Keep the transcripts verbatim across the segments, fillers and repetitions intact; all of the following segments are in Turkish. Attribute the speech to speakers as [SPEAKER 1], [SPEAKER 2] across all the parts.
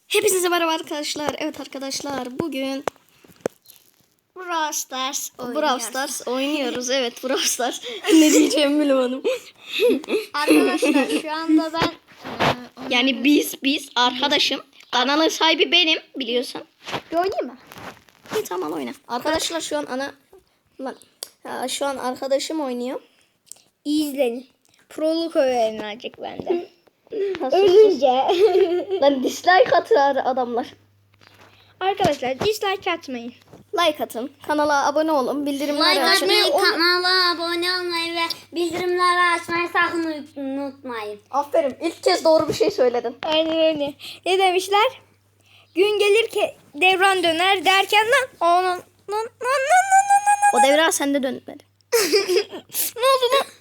[SPEAKER 1] Hepinize merhaba arkadaşlar. Evet arkadaşlar, bugün
[SPEAKER 2] Brawl Stars oynuyoruz.
[SPEAKER 1] Brawl Stars oynuyoruz. Evet, Brawl Stars. Ne diyeceğimi bilemedim.
[SPEAKER 2] Arkadaşlar şu anda ben e,
[SPEAKER 1] Yani biz biz arkadaşım. Kanalın sahibi benim, biliyorsun.
[SPEAKER 2] bir oynayayım mı?
[SPEAKER 1] İyi, tamam, oyna. Arkadaşlar şu an ana lan ya, şu an arkadaşım oynuyor.
[SPEAKER 2] İzleyin. Proluk öğrenilecek benden.
[SPEAKER 1] Nasıl?
[SPEAKER 2] Ölünce.
[SPEAKER 1] Lan dislike atıyor adamlar.
[SPEAKER 2] Arkadaşlar dislike atmayın.
[SPEAKER 1] Like atın. Kanala abone olun. Bildirimleri
[SPEAKER 3] Like
[SPEAKER 1] açın.
[SPEAKER 3] atmayı, kanala abone olmayı ve bildirimleri açmayı sakın unutmayın.
[SPEAKER 1] Aferin. İlk kez doğru bir şey söyledin.
[SPEAKER 2] Aynen öyle. Ne demişler? Gün gelir ki devran döner derken lan onun lan lan lan lan lan lan.
[SPEAKER 1] O devre sende dönmedi.
[SPEAKER 2] Ne oldu lan?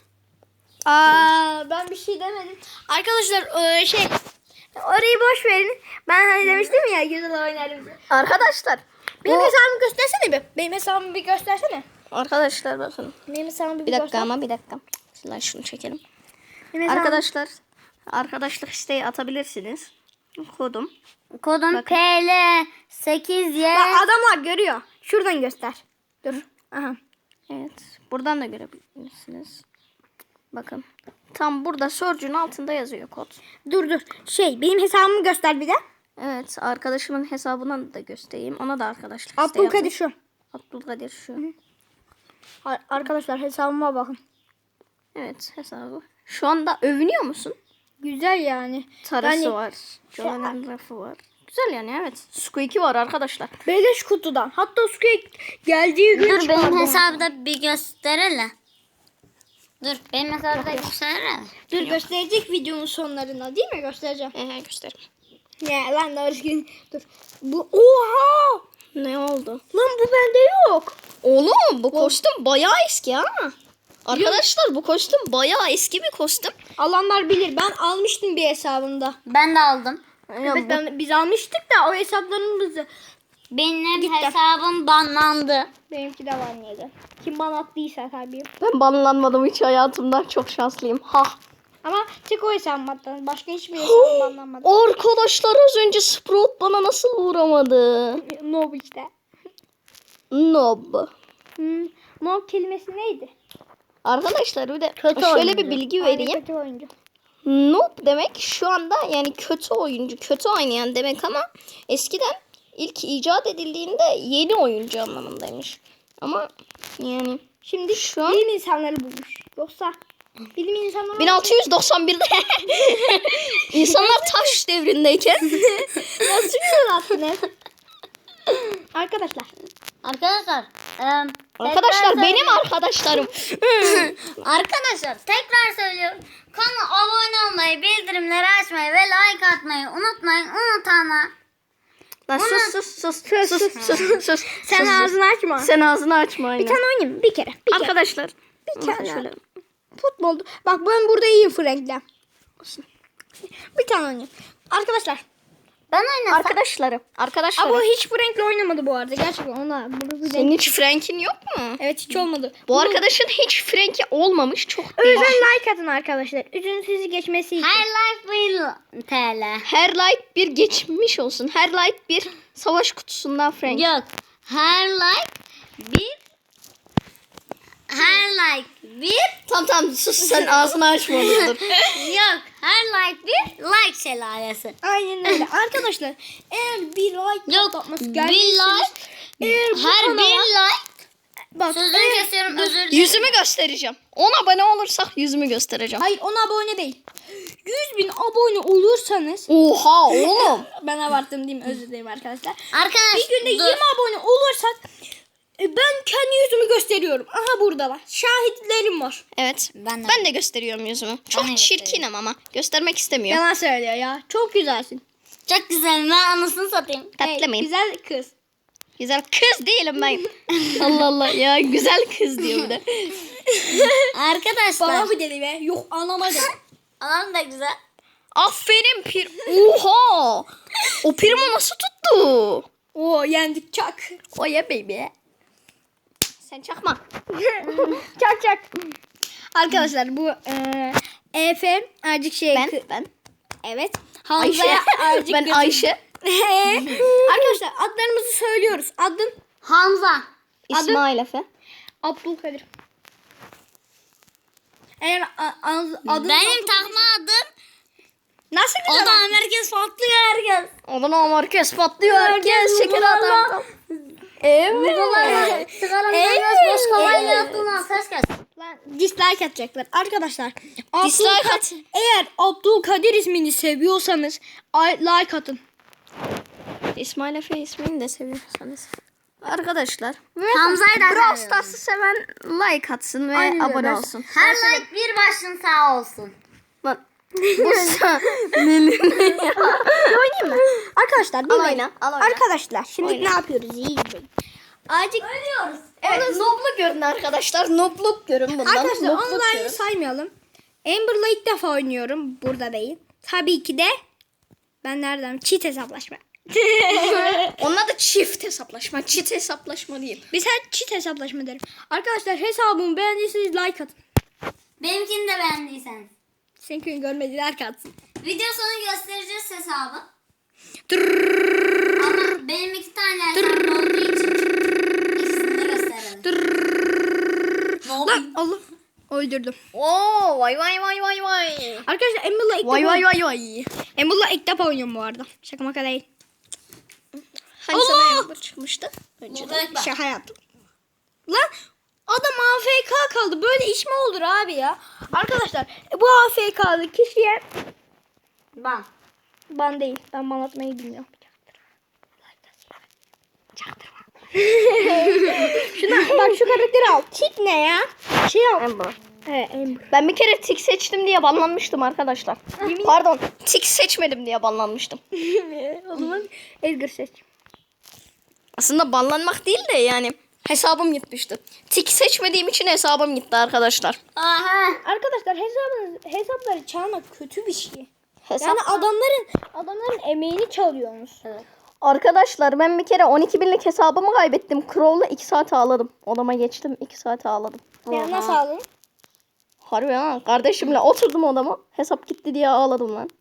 [SPEAKER 2] Aa, ben bir şey demedim. Arkadaşlar e, şey orayı boş verin. Ben hani demiştim ya güzel oynarım.
[SPEAKER 1] Arkadaşlar.
[SPEAKER 2] Benim
[SPEAKER 1] bu-
[SPEAKER 2] hesabımı göstersene bir. Benim hesabımı bir göstersene.
[SPEAKER 1] Arkadaşlar bakın.
[SPEAKER 2] Benim hesabımı bir,
[SPEAKER 1] Bir dakika
[SPEAKER 2] göster.
[SPEAKER 1] ama bir dakika. Şuradan şunu çekelim.
[SPEAKER 2] Benim hesabım-
[SPEAKER 1] Arkadaşlar arkadaşlık isteği atabilirsiniz. Kodum.
[SPEAKER 3] Kodum P L sekiz Y.
[SPEAKER 2] Bak adamlar görüyor. Şuradan göster. Dur. Aha.
[SPEAKER 1] Evet. Buradan da görebilirsiniz. Bakın. Tam burada search'ün altında yazıyor kod.
[SPEAKER 2] Dur dur. Şey benim hesabımı göster bir de.
[SPEAKER 1] Evet. Arkadaşımın hesabına da göstereyim. Ona da arkadaşlık isteği
[SPEAKER 2] Abdülkadir
[SPEAKER 1] atın.
[SPEAKER 2] şu.
[SPEAKER 1] Abdülkadir şu.
[SPEAKER 2] Ar- Arkadaşlar hesabıma bakın.
[SPEAKER 1] Evet, hesabı. Şu anda övünüyor musun?
[SPEAKER 2] Güzel yani.
[SPEAKER 1] Tarası
[SPEAKER 2] Yani-
[SPEAKER 1] var. Jolan'ın rafı var. Güzel yani, evet. Squeaky var arkadaşlar.
[SPEAKER 2] Beleş kutudan. Hatta Squeak geldiği gün
[SPEAKER 3] Dur
[SPEAKER 2] çıkardı.
[SPEAKER 3] benim hesabı da bir gösterelim. Dur benim hesabı da gösterelim.
[SPEAKER 2] Dur gösterecek videonun sonlarına değil mi? Göstereceğim.
[SPEAKER 1] Ehe, gösterim.
[SPEAKER 2] Ya lan doğru. Dur. Bu oha!
[SPEAKER 1] Ne oldu?
[SPEAKER 2] Lan bu bende yok.
[SPEAKER 1] Oğlum bu kostüm bayağı eski ha. Arkadaşlar bu kostüm bayağı eski bir kostüm.
[SPEAKER 2] Alanlar bilir. Ben almıştım bir hesabında.
[SPEAKER 3] Ben de aldım.
[SPEAKER 2] Evet ben, biz almıştık da o hesaplarımızı.
[SPEAKER 3] Benim
[SPEAKER 2] Gitti.
[SPEAKER 3] hesabım banlandı.
[SPEAKER 2] Benimki de var neydi? Kim bana attıysa tabii.
[SPEAKER 1] Ben banlanmadım hiç hayatımda. Çok şanslıyım. Ha.
[SPEAKER 2] Ama tek o hesabım attı. Başka hiçbir hesabım banlanmadı.
[SPEAKER 1] Arkadaşlar az önce Sprout bana nasıl vuramadı?
[SPEAKER 2] Noob işte.
[SPEAKER 1] Nob.
[SPEAKER 2] Hmm. Noob kelimesi neydi?
[SPEAKER 1] Arkadaşlar bir de
[SPEAKER 3] Kötü
[SPEAKER 1] şöyle
[SPEAKER 3] oyuncu.
[SPEAKER 1] bir bilgi
[SPEAKER 2] Aynı
[SPEAKER 1] vereyim.
[SPEAKER 2] kötü oyuncu.
[SPEAKER 1] Noob demek şu anda yani kötü oyuncu, kötü oynayan demek ama eskiden ilk icat edildiğinde yeni oyuncu anlamındaymış. Ama yani
[SPEAKER 2] Şimdi
[SPEAKER 1] şu an
[SPEAKER 2] bilim insanları bulmuş. Yoksa bilim insanları
[SPEAKER 1] bin altı yüz doksan birde insanlar taş devrindeyken
[SPEAKER 2] nasıl güzel attınız? Arkadaşlar.
[SPEAKER 3] Arkadaşlar. em,
[SPEAKER 1] arkadaşlar
[SPEAKER 3] tekrar
[SPEAKER 1] benim
[SPEAKER 3] söylüyorum.
[SPEAKER 1] arkadaşlarım.
[SPEAKER 3] Arkadaşlar tekrar söylüyorum. Kanala abone olmayı, bildirimleri açmayı ve like atmayı unutmayın. Unutanlar.
[SPEAKER 1] Lan sus sus sus sus sus sus sus.
[SPEAKER 2] Sen
[SPEAKER 1] sus, sus.
[SPEAKER 2] ağzını açma.
[SPEAKER 1] Sen ağzını açma aynen.
[SPEAKER 2] Bir tane oynayayım mı? Bir kere. Bir kere.
[SPEAKER 1] Arkadaşlar
[SPEAKER 2] Bir kere.
[SPEAKER 1] şöyle
[SPEAKER 2] Futbolda. Bak ben burada iyiyim Frank'le. Bir tane oynayayım. Arkadaşlar.
[SPEAKER 3] Ben oynasam.
[SPEAKER 1] arkadaşlarım. Arkadaşlarım.
[SPEAKER 2] Ama hiç Frank'le oynamadı bu arada. Gerçekten ona. Bunu bir
[SPEAKER 1] Senin hiç Frank'in yok mu?
[SPEAKER 2] Evet hiç olmadı.
[SPEAKER 1] Bu arkadaşın hiç Frank'i olmamış. Çok
[SPEAKER 2] O
[SPEAKER 1] değil.
[SPEAKER 2] yüzden like atın arkadaşlar. Üzüntüsü geçmesi için.
[SPEAKER 3] Her life bir T L.
[SPEAKER 1] Her like bir geçmiş olsun. Her like bir savaş kutusundan Frank.
[SPEAKER 3] Yok. Her like bir her like bir
[SPEAKER 1] Tamam tamam sus sen ağzını açma dur.
[SPEAKER 3] yok. Her like bir like şelalesi.
[SPEAKER 2] Aynen öyle. Arkadaşlar eğer bir like
[SPEAKER 3] Yok.
[SPEAKER 2] atması
[SPEAKER 3] Bir
[SPEAKER 2] gelmişsiniz.
[SPEAKER 3] like
[SPEAKER 2] Eğer bu
[SPEAKER 3] her
[SPEAKER 2] kanala-
[SPEAKER 3] bir like
[SPEAKER 2] Bak,
[SPEAKER 3] sözünü
[SPEAKER 2] eğer-
[SPEAKER 3] kesiyorum özür dilerim.
[SPEAKER 1] Yüzümü göstereceğim. on abone olursak yüzümü göstereceğim.
[SPEAKER 2] Hayır ona abone değil. yüz bin abone olursanız
[SPEAKER 1] Oha oğlum.
[SPEAKER 2] ben abarttım değil mi? Özür dilerim arkadaşlar.
[SPEAKER 3] Arkadaşlar
[SPEAKER 2] Bir günde
[SPEAKER 3] dur.
[SPEAKER 2] yirmi abone olursak e, ben kendi yüzümü gösteriyorum. Aha buradalar. Şahitlerim var.
[SPEAKER 1] Evet.
[SPEAKER 3] Ben de.
[SPEAKER 1] Ben de gösteriyorum yüzümü. Çok
[SPEAKER 3] de
[SPEAKER 1] çirkinim ama göstermek istemiyorum.
[SPEAKER 2] Yalan söylüyor ya. Çok güzelsin.
[SPEAKER 3] Çok güzel. Ben anasını satayım.
[SPEAKER 1] Tatlı
[SPEAKER 2] Hey,
[SPEAKER 1] mıyım?
[SPEAKER 2] güzel kız.
[SPEAKER 1] Güzel kız değilim ben. Allah Allah ya güzel kız diyor bir de.
[SPEAKER 3] Arkadaşlar.
[SPEAKER 2] Bana mı dedi be? Yok anama dedi.
[SPEAKER 3] Anam da güzel.
[SPEAKER 1] Aferin pir. Oha. O primo nasıl tuttu?
[SPEAKER 2] Oo yendik çak.
[SPEAKER 1] O ya baby. Sen çakma.
[SPEAKER 2] çak çak. Arkadaşlar bu e, Efe azıcık şey.
[SPEAKER 1] Ben ben.
[SPEAKER 2] Evet.
[SPEAKER 1] Ayşe.
[SPEAKER 2] Hamza'ya azıcık
[SPEAKER 1] Ben
[SPEAKER 2] götür-
[SPEAKER 1] Ayşe.
[SPEAKER 2] Arkadaşlar adlarımızı söylüyoruz. Adın
[SPEAKER 3] Hamza.
[SPEAKER 1] İsmail Efe.
[SPEAKER 2] Abdülkadir. Eğer a- a- adın
[SPEAKER 3] Benim takma adım.
[SPEAKER 2] nasıl
[SPEAKER 3] O
[SPEAKER 2] güzel?
[SPEAKER 3] da herkes patlıyor herkes.
[SPEAKER 1] Ondan herkes patlıyor. Herkes şeker adam. Evet.
[SPEAKER 3] Sigaranın
[SPEAKER 2] Evet.
[SPEAKER 3] boş kafayla yaptığından ses kes.
[SPEAKER 2] Lan dislike atacaklar. Arkadaşlar.
[SPEAKER 1] Dislike
[SPEAKER 2] Abdülka-
[SPEAKER 1] at.
[SPEAKER 2] Eğer Abdülkadir ismini seviyorsanız ay- like atın.
[SPEAKER 1] İsmail Efe ismini de seviyorsanız. Arkadaşlar.
[SPEAKER 3] Hamza'yı da
[SPEAKER 1] Brawl
[SPEAKER 3] seviyorum.
[SPEAKER 1] Stars'ı seven like atsın ve
[SPEAKER 2] Aynen öyle.
[SPEAKER 1] abone
[SPEAKER 2] Ben-
[SPEAKER 1] olsun.
[SPEAKER 3] Her like bir başın sağ olsun.
[SPEAKER 1] Lan. Bu sa-
[SPEAKER 2] Oynayayım mı? Arkadaşlar bir
[SPEAKER 1] Al
[SPEAKER 2] oyna.
[SPEAKER 1] oyna, al oyna.
[SPEAKER 2] Arkadaşlar şimdi
[SPEAKER 1] Oyna.
[SPEAKER 2] ne yapıyoruz? İyi izleyin. Azıcık
[SPEAKER 3] Ölüyoruz.
[SPEAKER 1] Evet, nobluk görün arkadaşlar. Nobluk görün bundan.
[SPEAKER 2] arkadaşlar
[SPEAKER 1] Nobluk
[SPEAKER 2] online'ı
[SPEAKER 1] görün.
[SPEAKER 2] saymayalım. Amber'la ilk defa oynuyorum. Burada değil. Tabii ki de ben nereden? Cheat hesaplaşma.
[SPEAKER 1] Onun adı çift hesaplaşma. Çift hesaplaşma diyeyim.
[SPEAKER 2] Biz her cheat hesaplaşma derim. Arkadaşlar hesabımı beğendiyseniz like atın.
[SPEAKER 3] Benimkini de beğendiyseniz.
[SPEAKER 2] Seninkini görmediler ki atsın.
[SPEAKER 3] Video sonu göstereceğiz hesabı. Ama benim iki tane hesabım olduğu için ikisini de gösterelim. Ne oldu?
[SPEAKER 2] Lan Allah. Öldürdüm.
[SPEAKER 1] Oo, vay vay vay vay vay.
[SPEAKER 2] Arkadaşlar Amber'la ilk
[SPEAKER 1] Vay
[SPEAKER 2] defa
[SPEAKER 1] vay vay vay.
[SPEAKER 2] Amber'la ilk defa oynuyorum bu arada. Şaka maka değil.
[SPEAKER 1] Hani
[SPEAKER 2] Allah!
[SPEAKER 1] sana Amber çıkmıştı? Önceden.
[SPEAKER 3] Buradaki bak.
[SPEAKER 2] Şaka yaptım. Lan adam A F K kaldı. Böyle iş mi olur abi ya? Arkadaşlar bu A F K'lı kişiye
[SPEAKER 3] Ben.
[SPEAKER 2] ban değil. Ben ban atmayı bilmiyorum. Çaktırma. Şuna bak şu karakteri al. Tik ne ya? Şey al.
[SPEAKER 1] Amber.
[SPEAKER 2] He Amber.
[SPEAKER 1] Ben bir kere tik seçtim diye banlanmıştım arkadaşlar. Pardon, tik seçmedim diye banlanmıştım.
[SPEAKER 2] O zaman Edgar seç.
[SPEAKER 1] Aslında banlanmak değil de yani hesabım gitmişti. Tik seçmediğim için hesabım gitti arkadaşlar.
[SPEAKER 3] Aha.
[SPEAKER 2] Arkadaşlar hesabınız, hesapları çalmak kötü bir şey.
[SPEAKER 1] Hesap...
[SPEAKER 2] Yani adamların adamların emeğini çalıyorsunuz.
[SPEAKER 1] Arkadaşlar ben bir kere on iki binlik hesabımı kaybettim. Crow'la iki saat ağladım. Odama geçtim iki saat ağladım.
[SPEAKER 2] Yani nasıl aldın?
[SPEAKER 1] Harbi ha. Kardeşimle oturdum odama. Hesap gitti diye ağladım lan.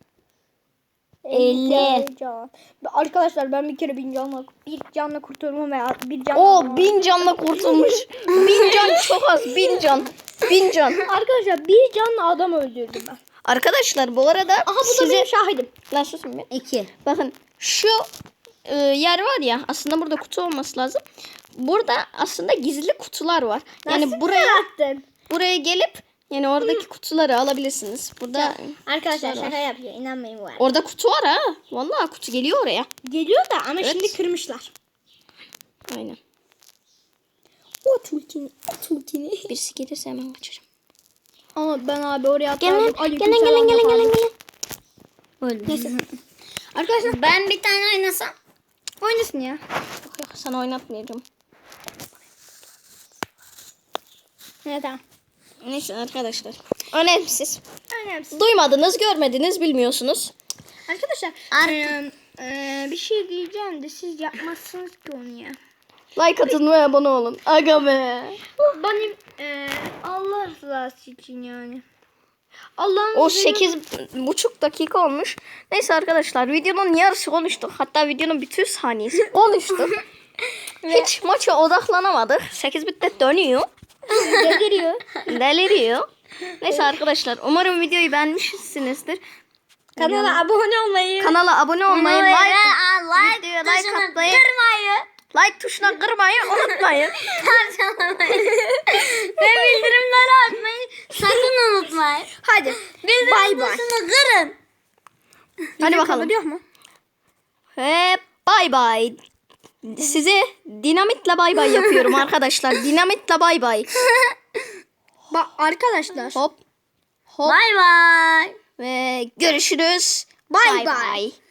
[SPEAKER 2] elli can. Arkadaşlar ben bir kere bin canla bir canla kurtulma veya bir canla.
[SPEAKER 1] O bin canla kurtulmuş. Bin can çok az. Bin can. Bin can.
[SPEAKER 2] Arkadaşlar bir canla adam öldürdüm ben.
[SPEAKER 1] Arkadaşlar bu arada
[SPEAKER 2] Aha bu da
[SPEAKER 1] size...
[SPEAKER 2] benim şahidim.
[SPEAKER 1] Lan susun bir.
[SPEAKER 3] İki.
[SPEAKER 1] Bakın şu e, yer var ya, aslında burada kutu olması lazım. Burada aslında gizli kutular var. Yani
[SPEAKER 2] Nasıl
[SPEAKER 1] buraya
[SPEAKER 2] yarattın?
[SPEAKER 1] buraya gelip yani oradaki kutuları alabilirsiniz. Burada
[SPEAKER 2] Arkadaşlar
[SPEAKER 1] kutular
[SPEAKER 2] şaka
[SPEAKER 1] var.
[SPEAKER 2] yapıyor. İnanmayın bu arada.
[SPEAKER 1] Orada kutu var ha. Vallahi kutu geliyor oraya.
[SPEAKER 2] Geliyor da ama
[SPEAKER 1] Evet.
[SPEAKER 2] şimdi kırmışlar.
[SPEAKER 1] Aynen.
[SPEAKER 2] O tulkini, o tulkini.
[SPEAKER 1] Birisi gelirse hemen kaçarım.
[SPEAKER 2] Ama ben abi oraya
[SPEAKER 1] Gelin,
[SPEAKER 2] atlardım.
[SPEAKER 1] gelin, gelin, gelin, gelin, gelin.
[SPEAKER 2] Neyse. Arkadaşlar
[SPEAKER 3] Ben bir tane oynasam.
[SPEAKER 2] oynasın ya.
[SPEAKER 1] Yok yok, sana oynatmayacağım.
[SPEAKER 2] Evet tamam.
[SPEAKER 1] Neyse arkadaşlar. Önemsiz.
[SPEAKER 2] Önemsiz.
[SPEAKER 1] Duymadınız, görmediniz, bilmiyorsunuz.
[SPEAKER 2] Arkadaşlar
[SPEAKER 3] Ar-
[SPEAKER 2] eee, eee, bir şey diyeceğim de siz yapmazsınız ki onu ya.
[SPEAKER 1] Like atın ve abone olun. Aga be.
[SPEAKER 2] Benim eee Allah rızası için yani. Allah'ın
[SPEAKER 1] O
[SPEAKER 2] izniyle-
[SPEAKER 1] sekiz buçuk dakika olmuş. Neyse arkadaşlar, videonun yarısı konuştuk. Hatta videonun bütün saniyesi konuştuk. Hiç maça odaklanamadık. sekiz bitte dönüyor.
[SPEAKER 2] deliriyor.
[SPEAKER 1] Deliriyor. Neyse arkadaşlar, umarım videoyu beğenmişsinizdir.
[SPEAKER 2] Kanala abone olmayı.
[SPEAKER 1] Kanala abone olmayı,
[SPEAKER 3] Like,
[SPEAKER 1] like,
[SPEAKER 3] like,
[SPEAKER 1] videoya
[SPEAKER 3] like
[SPEAKER 1] like atmayı,
[SPEAKER 3] kırmayı.
[SPEAKER 1] like tuşuna kırmayı unutmayın.
[SPEAKER 3] Parçalamayı. Ve bildirimleri açmayı sakın unutmayın.
[SPEAKER 2] Hadi.
[SPEAKER 3] Bildirim
[SPEAKER 2] Bay bay.
[SPEAKER 3] tuşunu kırın.
[SPEAKER 1] Hadi bakalım.
[SPEAKER 2] Kapatıyor mu?
[SPEAKER 1] Ve bay bay. Size dinamitle bay bay yapıyorum arkadaşlar. Dinamitle bay bay.
[SPEAKER 2] Bak arkadaşlar.
[SPEAKER 1] Hop. Hop.
[SPEAKER 3] Bay bay.
[SPEAKER 1] Ve görüşürüz.
[SPEAKER 2] Bay
[SPEAKER 1] Bay
[SPEAKER 2] bay.
[SPEAKER 1] bay.